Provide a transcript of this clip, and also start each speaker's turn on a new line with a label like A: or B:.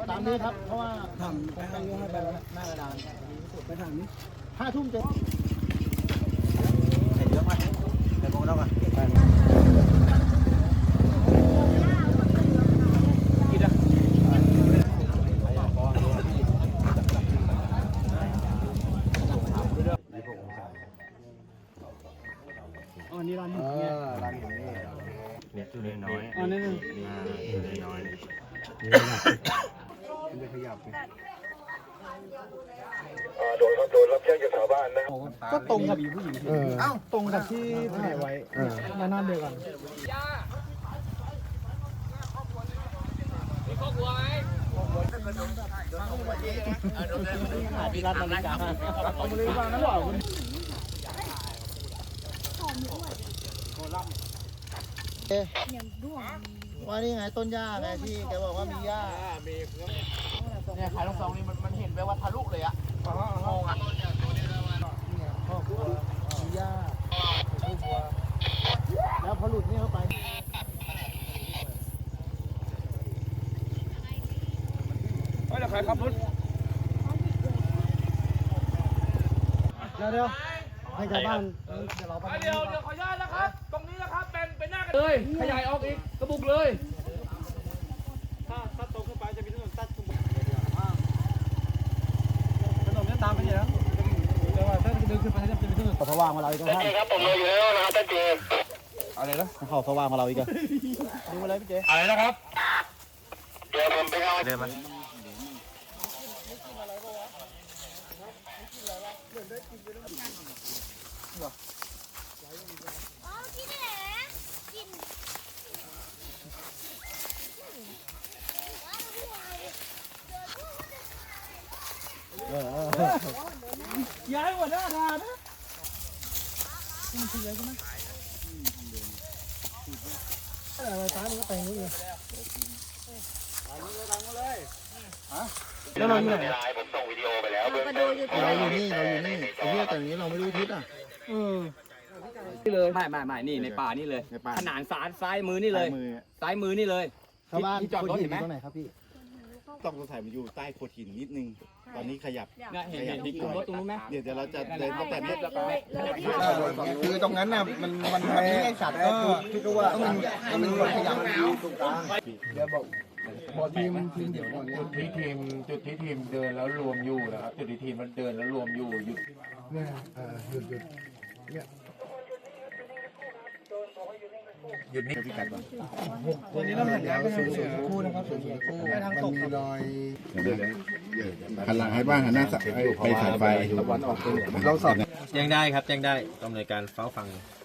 A: ตามนี้ครับเพราะว่า
B: ทำไปให้ไปแล้ว
A: หน้ากระดาน
B: ไปทางนี้
A: 5 ทุ่มเจ็ด
C: ใส่เยอะมากใส่โมงแล้วกัน
B: อันนี้ร้านหินร้านหินนี่
C: เนี่ยตัวน้อย
B: อันนี้
C: ตัวน้อย
B: มันจะขยับ
D: โดนรับแจ้งจากชาวบ้านนะ
B: ก็ตรงกับผู้หญิงตรงกับที่ถ่ายไว้มานั่นเดียวกัน
A: ที่รัฐอเมริกาเอามาเลยว่างั้นหรอว่านี่ไงต้นหญ้าไงที่แกบอกว่ามีหญ้าเนี่ยขายลูกซองนี่มันเห็นไปว่าทะลุเลยอะมองอะพ่อครัวมีหญ้าลูกวัวแล้วพอหลุดนี่เข้าไปเดี๋ยวใครขับรถเดี๋ยวให้ชาวบ้านเดี๋ยวเราไปเดี๋ยวขออนุญาตนะครับตรงนี้นะครับเป็นหน้ากันเลยขยายออกอีกกระบุกเลยถ้าตรงขึ้นไปจะมีถนนตัดถนนนี้ตามไปเนี่ยนะแต่ว่าถ้าเดินขึ้นไปจะมีถนนเขาสว่างมาเราอีกแล้วครับผมเลยอยู่แล้วนะครับท่านเจอะไรนะเขาสว่างมาเราอีกอะดูอะไรพี่เจอะไรนะครับเดี๋ยวผมไปเอา
C: เดินมา
E: อ๋อกินนี่แหละกิน
B: ย้ายหัวหน้าทานนะมันคืออะไรกันนะอะไรตามันก็แต่งนู้นเลยแล้วเราอยู่ไหน
D: ผมส่งวิดีโอไปแล้ว
E: เราไปดูอยู่ที่ไหน
A: เราอยู่นี่ไอ้ที่แต่นี้เราไม่รู้ทิศอ่ะ
F: ไม่นี่ในป่านี่เลย
A: ในป่า
F: ขนานซ้ายมือนี่เลย ซ้ายมือนี่เลย
A: ชาวบ้าน
F: ที่จอดรถเห็นไหม
A: ตรงไหนครับพี่
G: ต้องสงสัยมันอยู่ใต้โขดหินนิดนึง ตอนนี้ขยับ
F: เนี่ยเห็นกลุ่มรถตรงนู้นไหม
G: เดี๋ยวเราจะเดินตั้งแต่นี้แล้วก็
A: คือตรงนั้นน่ะมันไม่ได้สัตว์ก็คิดว่ามันขยับอยู่ตรงกลาง
B: พอทีมเดี๋ยว
H: จุดที่ทีมเดินแล้วรวมอยู่นะครับจุดที่ทีมมันเดินแล้วรวมอยู่หยุด
B: เนี่ยหยุดเนี่ย
A: ตัวนี้เราเห็นแล้วก็คือคู่นะครับคู่ไม่ทางตกครับ
G: หันหลังให้บ้างหันหน้าไปสายไฟ
C: แจ้งได้ครับแจ้งได้ต้องในการเฝ้าฟัง